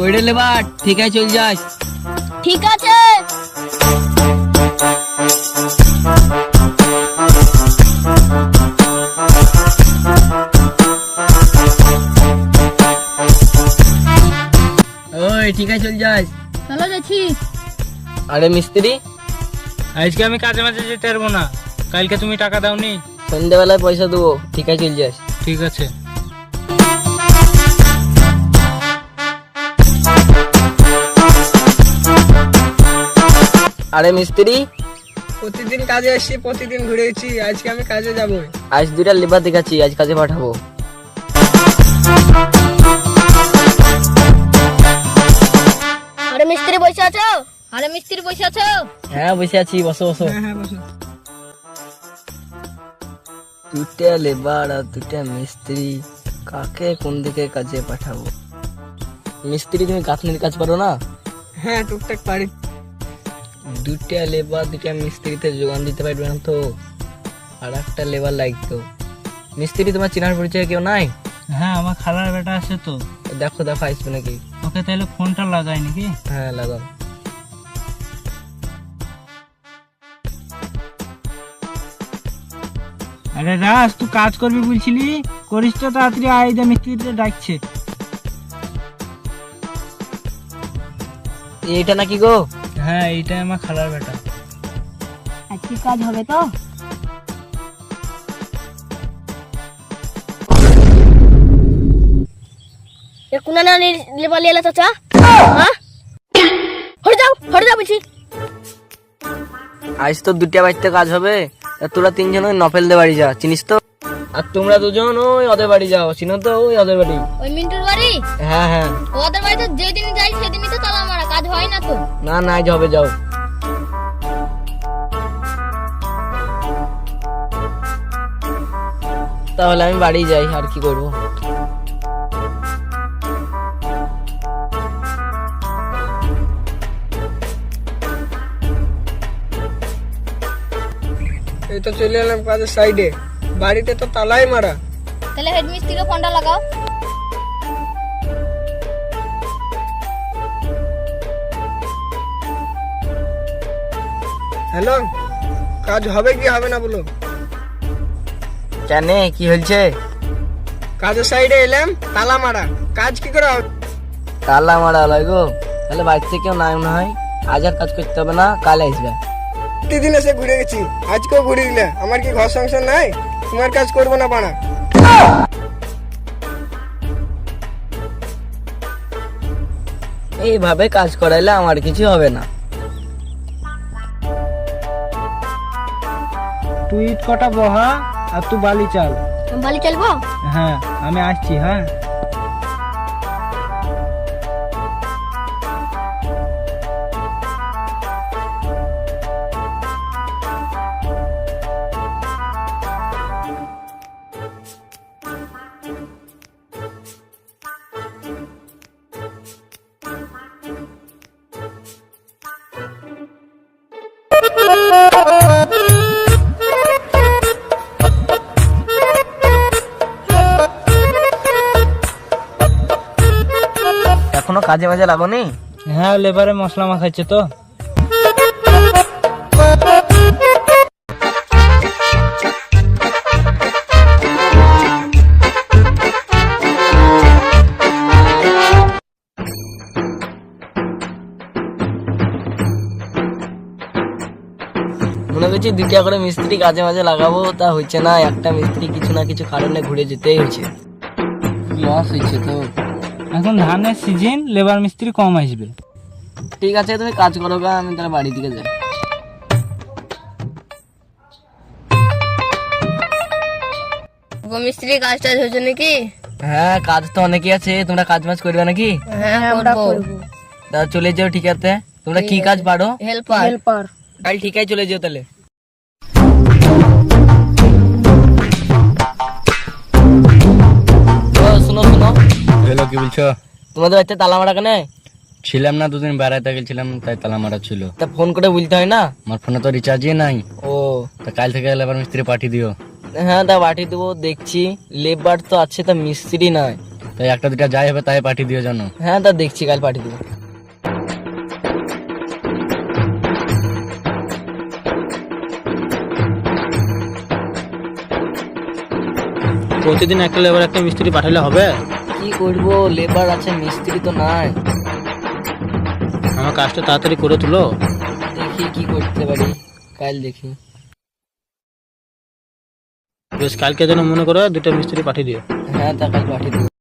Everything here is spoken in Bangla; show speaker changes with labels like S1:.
S1: কইরে লেবার ঠিক আছে চল যাস।
S2: ঠিক আছে।
S1: ওই ঠিক আছে চল যাস।
S2: চলো যাচ্ছি।
S1: আরে মিস্ত্রি,
S3: আজকে আমি কাজে মাঝে যেতে পারবো না, কালকে তুমি টাকা দাওনি।
S1: সন্ধ্যাবেলায় পয়সা দেবো, ঠিক আছে চল যাস।
S3: ঠিক আছে।
S1: আরে মিস্ত্রি,
S4: প্রতিদিন কাজে আসছি, প্রতিদিন ঘুরেছি, আজকে আমি কাজে যাবো।
S1: আজ দুইটা লেবার দেখাচ্ছি, আজ কাজে পাঠাবো।
S2: আরে মিস্ত্রি বসে আছো? আরে মিস্ত্রি বসে আছো?
S1: হ্যাঁ বসে আছি, বসো বসো।
S4: হ্যাঁ বসো।
S1: দুটা লেবার আর দুটা মিস্ত্রি, কাকে কোন দিকে কাজে পাঠাবো? মিস্ত্রি তুমি গাঁথনির কাজ পারো না?
S4: হ্যাঁ টুকটাক পারি।
S1: দুটা লেবার দুটা মিস্ত্রিতে যোগান দিতে পারবে না তো? আর একটা লেবার লাগতো। মিস্ত্রি তোমার চেনার পরিচয় কেউ নাই?
S3: হ্যাঁ, আমার খালার বেটা আছে তো।
S1: দেখো দেখো আসবে নাকি।
S3: ওকে তাহলে ফোনটা লাগাই নাকি?
S1: হ্যাঁ লাগাও।
S3: আরে রাজ, তুই কাজ করবি বলছিলি, করিস তো তাড়াতাড়ি, আইদা মিস্ত্রিতে ডাকছে।
S1: এইটা নাকি গো?
S3: হ্যাঁ, এইটাই আমার খালার বেটা।
S2: আজকে কাজ হবে তো? এ কোনা না লেবার লিয়ে এলা চাচা? হ্যাঁ, হরে যাও বলছি।
S1: আজ তো দুটা বাড়িতে কাজ হবে, তা তোরা তিনজন ওই নফেলদের বাড়ি যা, চিনিস তো? আর তোমরা দুজন ওই ওদের বাড়ি যাও, চিনো তো ওই ওদের বাড়ি?
S2: ওই মিন্টুর বাড়ি?
S1: হ্যাঁ হ্যাঁ।
S2: ওদের বাড়ি তো যেদিন যাই সেদিনই তো তালা মারা, কাজ হয় না তো।
S1: না না আজ হবে, যাও। তাহলে আমি বাড়ি যাই, আর কি করবো।
S4: এই তো চলে এলাম কাজের সাইডে, বাড়িতে তো তালাই মারা।
S2: তাহলে হেড মিস্ত্রিকে ফোনটা লাগাও।
S4: হ্যালো, কাজ হবে কি হবে না বলো?
S1: কেন, কি হয়েছে?
S4: কাজের সাইডে এলাম, তালা মারা, কাজ কি করে হবে?
S1: তালা মারা লয় গো? তাহলে বাড়িতে কেউ নাই মনে হয়, আজ আর কাজ করতে হবে না, কাল আসবে।
S4: প্রতিদিন এসে ঘুরে গেছি, আজকেও ঘুরে গেলে। আমার কি ঘর সংসার নাই? তোমার কাজ করবো না বানা?
S1: এইভাবে কাজ করাইলে আমার কিছু হবে না।
S3: তুই ইট কটা বহা আর তুই বালি চাল।
S2: বালি চলবো?
S3: হ্যাঁ, আমি আসছি। হ্যাঁ,
S1: এখনো কাজে মাঝে লাগোনি?
S3: হ্যাঁ, লেবারে মশলা মাখাচ্ছে তো।
S1: মনে করছি দুইটা করে মিস্ত্রি কাজে মাঝে লাগাবো, তা হচ্ছে না। একটা মিস্ত্রি কিছু না কিছু কারণে ঘুরে যেতেই হচ্ছে, লস হচ্ছে তো।
S3: এখন ধানের সিজন, লেবার মিস্ত্রি কম আসবে।
S1: ঠিক আছে তুমি কাজ করো গা, আমি তাহলে বাড়ি দিকে যাই।
S2: মিস্ত্রি কাজ টাজ হয়েছে নাকি?
S1: হ্যাঁ কাজ তো অনেকই আছে, তোমরা কাজ মাজ করবে নাকি?
S2: হ্যাঁ করবো।
S1: তা চলে যাও, ঠিক আছে। তোমরা কি কাজ পারো?
S2: হেল্পার।
S1: কাল ঠিক আছে চলে যাও তাহলে। শুনো শুনো,
S5: হ্যালো, কি বলছো?
S1: তোমাদের বাচ্চা তালা মারা কেন?
S5: ছিলাম না, দুদিন বেড়াইতে গেছিলাম, তাই তালা মারা ছিল।
S1: তা ফোন করে বলতে হয় না?
S5: আমার ফোনে তো রিচার্জই নাই।
S1: ও
S5: তা কাল থেকে লেবার মিস্ত্রি পাঠিয়ে দিও।
S1: হ্যাঁ তা পাঠিয়ে দেবো, দেখছি। লেবার তো আছে, তা মিস্ত্রি নাই।
S5: তাই একটা দুটা যাই হবে তাই পাঠিয়ে দিও জানো।
S1: হ্যাঁ তা দেখছি, কাল পাঠিয়ে দেবো।
S3: প্রতিদিন একটা লেবার একটা মিস্ত্রি পাঠালে হবে?
S1: কি করবো, লেবার আছে মিস্ত্রি তো নাই।
S3: আমার কাজটা তাড়াতাড়ি করে তুলো।
S1: দেখি কি করতে পারি, কাল দেখি।
S3: বেশ, কালকে যেন মনে করো দুটো মিস্ত্রি পাঠিয়ে দিও।
S1: হ্যাঁ তা কাল পাঠিয়ে দেবো।